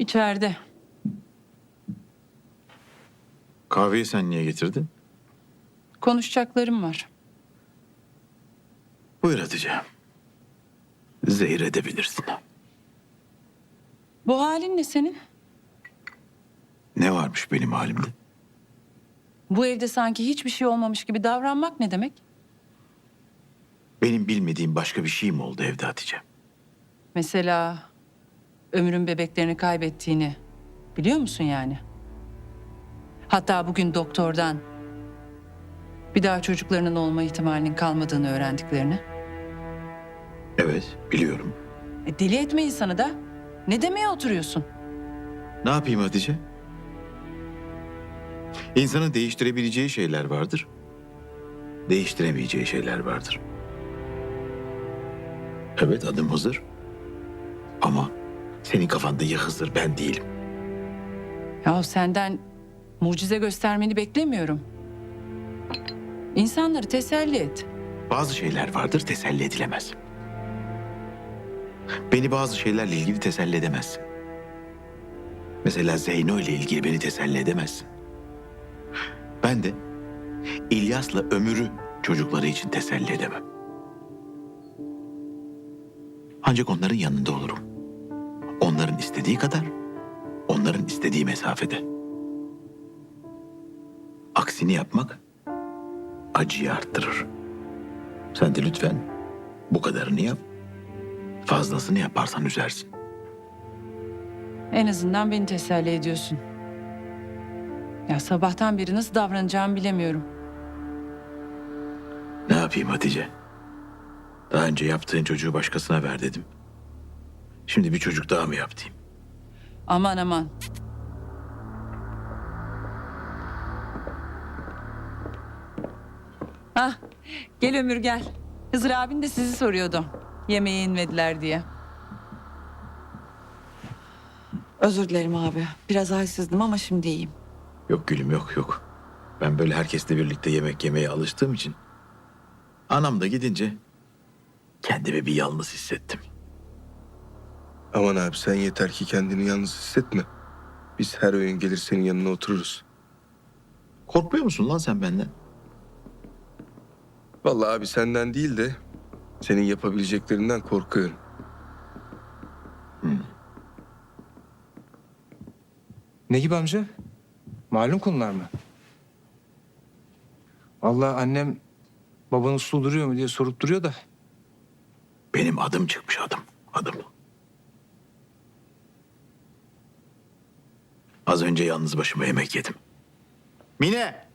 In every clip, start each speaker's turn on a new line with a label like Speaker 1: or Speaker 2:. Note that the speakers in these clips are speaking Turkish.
Speaker 1: İçeride.
Speaker 2: Kahveyi sen niye getirdin?
Speaker 1: Konuşacaklarım var.
Speaker 2: Buyur Hatice. Zehir edebilirsin.
Speaker 1: Bu halin ne senin?
Speaker 2: Ne varmış benim halimde?
Speaker 1: Bu evde sanki hiçbir şey olmamış gibi davranmak ne demek?
Speaker 2: Benim bilmediğim başka bir şey mi oldu evde Hatice?
Speaker 1: Mesela Ömür'ün bebeklerini kaybettiğini biliyor musun yani? Hatta bugün doktordan bir daha çocuklarının olma ihtimalinin kalmadığını öğrendiklerini.
Speaker 2: Evet, biliyorum.
Speaker 1: Deli etme insanı da. Ne demeye oturuyorsun?
Speaker 2: Ne yapayım Hatice? İnsanın değiştirebileceği şeyler vardır. Değiştiremeyeceği şeyler vardır. Evet, adım Hızır. Ama senin kafanda ya Hızır, ben değilim.
Speaker 1: Ya senden mucize göstermeni beklemiyorum. İnsanları teselli et.
Speaker 2: Bazı şeyler vardır, teselli edilemez. Beni bazı şeylerle ilgili teselli edemezsin. Mesela Zeyno ile ilgili beni teselli edemezsin. Ben de İlyas'la Ömür'ü çocukları için teselli edemem. Ancak onların yanında olurum. Onların istediği kadar, onların istediği mesafede. Aksini yapmak acıyı arttırır. Sen de lütfen bu kadarını yap. Fazlasını yaparsan üzersin.
Speaker 1: En azından beni teselli ediyorsun. Ya sabahtan beri nasıl davranacağımı bilemiyorum.
Speaker 2: Ne yapayım Hatice? Daha önce yaptığın çocuğu başkasına ver dedim. Şimdi bir çocuk daha mı yaptım?
Speaker 1: Aman aman. Hah, gel Ömür gel. Hızır abin de sizi soruyordu. Yemeğe inmediler diye.
Speaker 3: Özür dilerim abi. Biraz halsizdim ama şimdi iyiyim.
Speaker 2: Yok gülüm, yok. Ben böyle herkesle birlikte yemek yemeye alıştığım için anam da gidince kendimi bir yalnız hissettim.
Speaker 4: Aman abi sen yeter ki kendini yalnız hissetme. Biz her öğün gelir senin yanına otururuz.
Speaker 2: Korkmuyor musun lan sen benden?
Speaker 4: Vallahi abi senden değil de senin yapabileceklerinden korkuyorum.
Speaker 5: Ne gibi amca? Malum konular mı? Vallahi annem baban uslu duruyor mu diye sorup duruyor da.
Speaker 2: Benim adım çıkmış, adım. Az önce yalnız başıma yemek yedim. Mine!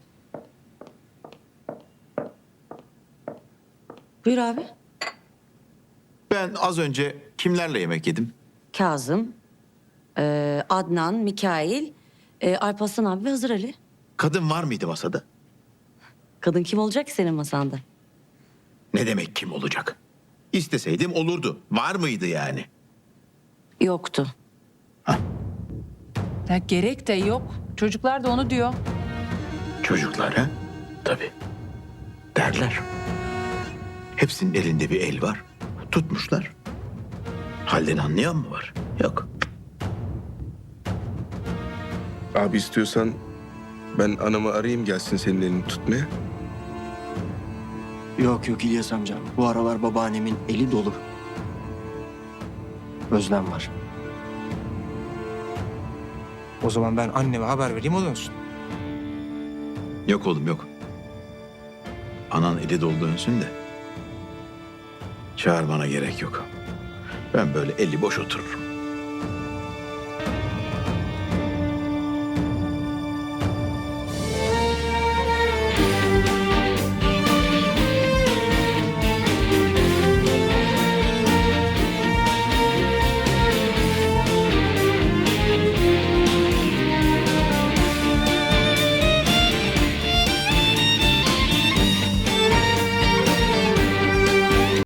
Speaker 6: Buyur abi.
Speaker 2: Ben az önce kimlerle yemek yedim?
Speaker 6: Kazım, Adnan, Mikail, Alparslan abi ve Hızır Ali.
Speaker 2: Kadın var mıydı masada?
Speaker 6: Kadın kim olacak ki senin masanda?
Speaker 2: Ne demek kim olacak? İsteseydim olurdu. Var mıydı yani?
Speaker 6: Yoktu.
Speaker 1: Ya gerek de yok. Çocuklar da onu diyor.
Speaker 2: Çocuklar ha? Tabii. Derler. Hepsinin elinde bir el var. Tutmuşlar. Halden anlayan mı var? Yok.
Speaker 4: Abi istiyorsan ben anamı arayayım gelsin senin elini tutmaya.
Speaker 7: Yok İlyas amcam. Bu aralar babaannemin eli dolu. Özlem var.
Speaker 5: O zaman ben anneme haber vereyim o dönsün.
Speaker 2: Yok oğlum yok. Anan eli dolu dönsün de. Çağırmana gerek yok. Ben böyle eli boş otururum.